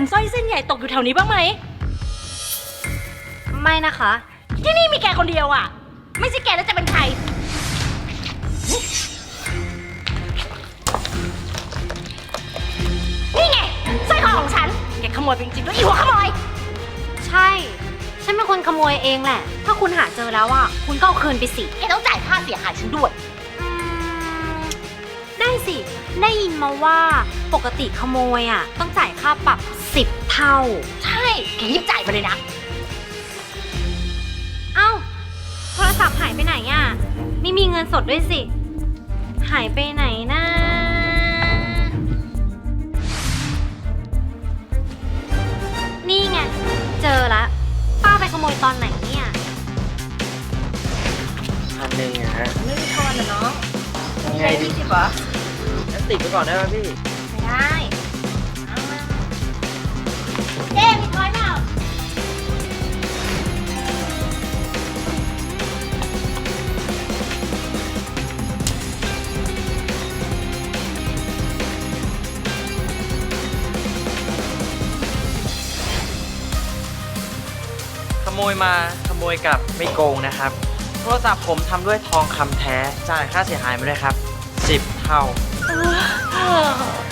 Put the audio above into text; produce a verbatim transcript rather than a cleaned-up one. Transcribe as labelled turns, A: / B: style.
A: สร้อยเส้นใหญ่ตกอยู่แถวนี้บ้างไหม
B: ไม่นะคะ
A: ที่นี่มีแกคนเดียวอ่ะไม่ใช่แกแล้วจะเป็นใครนี่ไงสร้อยคอของฉันแกขโมยไปจริงๆด้วยอีหัวขโมย
B: ใช่ ฉันเป็นคนขโมยเองแหละ ถ้าคุณหาเจอแล้วอ่ะคุณก็เอาคืนไปสิ
A: แกต้องจ่ายค่าเสียหายฉันด้วย
B: อืมได้สิ ได้ยินมาว่าปกติขโมยอ่ะต้องจ่ายค่าปรับสิบเท่า
A: ใช่แกรีบจ่ายมาเลยนะ
B: เอ้าโทรศัพท์หายไปไหนอ่ะไม่มีเงินสดด้วยสิ หายไปไหนนะนี่ไงเจอละป้าไปขโมยตอนไหนเนี่ย
C: พันหนึ่งอะฮะ
A: ไม่มีทอนนะน้อง
C: ยังไงดี
A: สิบเหรอ
C: งั้นติดไปก่อนได้ไหมพี่
A: ไม่ได้เอามาเจ๊มีทอนเปล่า
C: ขโมยมาขโมยกลับไม่โกงนะครับโทรศัพท์ผมทำด้วยทองคำแท้จ่ายค่าเสียหายมาด้วยครับสิบเท่า